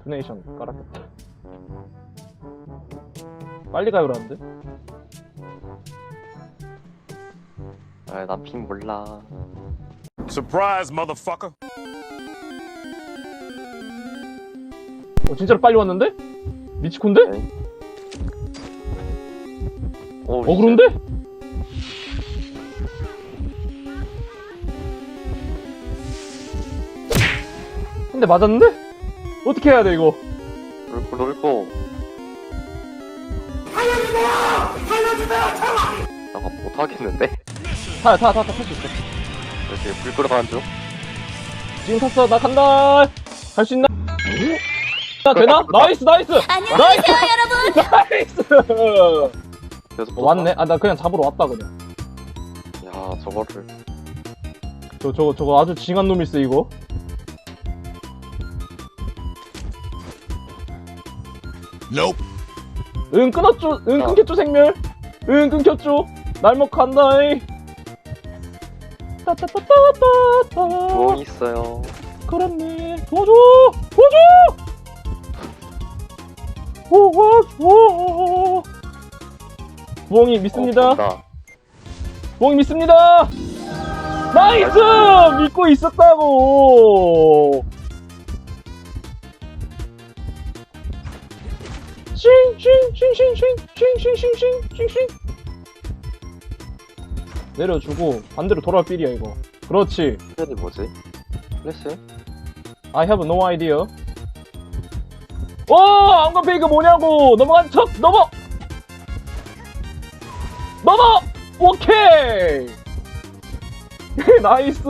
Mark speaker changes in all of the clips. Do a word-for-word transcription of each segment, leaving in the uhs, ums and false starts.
Speaker 1: 투네이션 깔았겠다. 빨리 가요라는데?
Speaker 2: 아, 난 핑 몰라.
Speaker 3: Surprise, motherfucker.
Speaker 1: 어 진짜로 빨리 왔는데? 미치콘데?
Speaker 2: 네. 오,
Speaker 1: 어 그런데? 근데 맞았는데? 어떻게 해야 돼 이거?
Speaker 2: 롤코 롤코. 잠깐 못하겠는데?
Speaker 1: 타야 타 타 타 탈 수 있어.
Speaker 2: 이렇게 불 끌어가는 중.
Speaker 1: 지금 탔어. 나 간다. 갈 수 있나? 나 되나? 나이스 나이스.
Speaker 4: 안녕하세요 여러분.
Speaker 1: 나이스.
Speaker 2: 계속
Speaker 1: 어, 왔네. 아 나 그냥 잡으러 왔다 그냥.
Speaker 2: 야, 저거를.
Speaker 1: 저 저거 저거 아주 징한 놈이 있어 이거.
Speaker 3: Nope.
Speaker 1: 응 끊었죠. 응
Speaker 2: 어.
Speaker 1: 끊겼죠 생멸. 응 끊겼죠. 날먹 간다이. 따따따따따따.
Speaker 2: 부엉이 있어요.
Speaker 1: 그렇네. 도와줘. 도와줘. 도와줘. 부엉이 믿습니다.
Speaker 2: 어, 본다.
Speaker 1: 부엉이 믿습니다. 나이스. 믿고 있었다고. 싱싱싱싱싱싱싱싱싱싱 내려주고 반대로 돌아올 필이야 이거. 그렇지.
Speaker 2: 플랜이 뭐지? 플래시?
Speaker 1: I have no idea. 오! 안간 페이크 뭐냐고! 넘어간 척! 넘어! 넘어! 오케이! 나이스!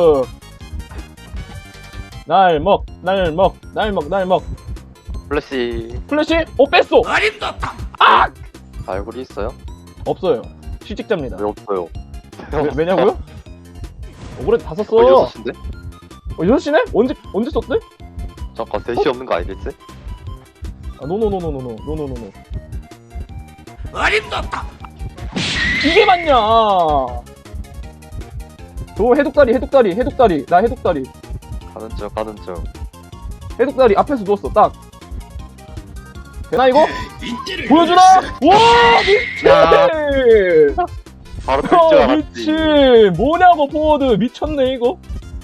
Speaker 1: 날 먹, 날 먹, 날 먹, 날 먹.
Speaker 2: 플래시.
Speaker 1: 플래시? 오, 뺐어! 아!
Speaker 2: 알고리 있어요?
Speaker 1: 없어요. 실직자입니다.
Speaker 2: 왜 없어요?
Speaker 1: 왜, 왜냐고요? 억울해 다 썼어.
Speaker 2: 어, 여섯 시인데?
Speaker 1: 어, 여섯 시네? 언제, 언제 썼대?
Speaker 2: 잠깐, 셋이 없는 거 아니겠지?
Speaker 1: 아, 노노노노노노, 노노노노. 어림도 없다! 이게 맞냐! 저 해독다리, 해독다리, 해독다리, 나 해독다리.
Speaker 2: 가는 중, 가는 중.
Speaker 1: 해독다리 앞에서 누웠어, 딱. 되나, 이거? 보여주나? 와, 미친!
Speaker 2: 바로 뜰줄
Speaker 1: 어,
Speaker 2: 알았지.
Speaker 1: 미친! 뭐냐고, 포워드. 미쳤네, 이거.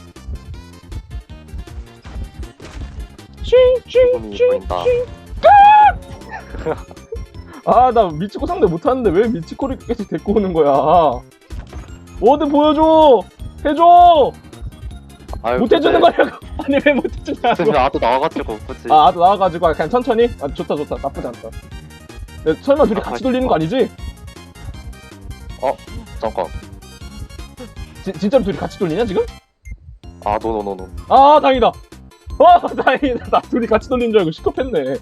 Speaker 2: 기분이
Speaker 1: 찡찡찡찡.
Speaker 2: 보인다.
Speaker 1: 아, 나 미치코 상대 못하는데 왜 미치코를 계속 데리고 오는 거야? 워드 보여줘! 해줘!
Speaker 2: 아유,
Speaker 1: 못해주는
Speaker 2: 근데
Speaker 1: 거냐고! 아니, 왜 못해주냐고!
Speaker 2: 쌤이 아도 나와가지고, 그치?
Speaker 1: 아, 나도 나와가지고, 그냥 천천히? 아, 좋다, 좋다. 나쁘지 않다. 야, 설마 둘이
Speaker 2: 아,
Speaker 1: 같이 돌리는 거 아니지?
Speaker 2: 잠깐.
Speaker 1: 지, 진짜로 둘이 같이 돌리냐, 지금?
Speaker 2: 아, 노노노노.
Speaker 1: 아, 다행이다! 와, 다행이다. 나 둘이 같이 돌리는 줄 알고 시겁했네.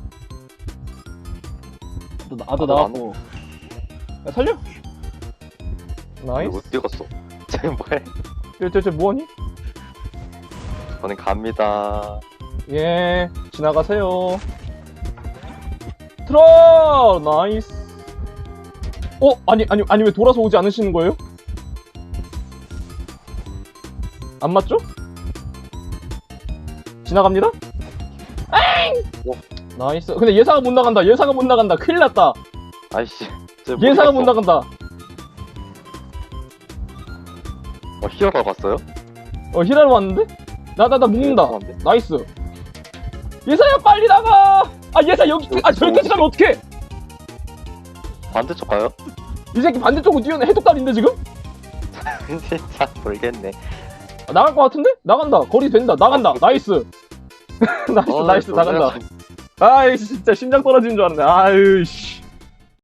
Speaker 1: 또 나도
Speaker 2: 나도
Speaker 1: 나왔고. 야, 살려? 나이스.
Speaker 2: 못 뛰었어. 쟤 뭐해?
Speaker 1: 쟤, 쟤, 쟤 뭐하니?
Speaker 2: 저는 갑니다.
Speaker 1: 예, 지나가세요. 트롤! 나이스. 어? 아니, 아니, 아니, 왜 돌아서 오지 않으시는 거예요? 안 맞죠? 지나갑니다? 엥!
Speaker 2: 오.
Speaker 1: 나이스. 근데 예사가 못 나간다. 예사가 못 나간다. 큰일 났다.
Speaker 2: 아이씨. 쟤
Speaker 1: 예사가 못
Speaker 2: 갔어.
Speaker 1: 나간다.
Speaker 2: 어, 히어가 갔어요?
Speaker 1: 어, 히라로 왔는데? 나, 나, 나 묶는다.
Speaker 2: 죄송한데?
Speaker 1: 나이스. 예사야, 빨리 나가! 아, 예사 여기, 아, 저기까지 가면 어떡해!
Speaker 2: 반대쪽 가요?
Speaker 1: 이 새끼 반대쪽으로 뛰어내. 해독달인데, 지금?
Speaker 2: 진짜 모르겠네.
Speaker 1: 아, 나갈 것 같은데? 나간다. 거리 된다. 나간다. 나이스. 나이스,
Speaker 2: 어,
Speaker 1: 나이스,
Speaker 2: 놀래라.
Speaker 1: 나간다. 아이, 진짜 심장 떨어지는 줄 알았네. 아유, 씨.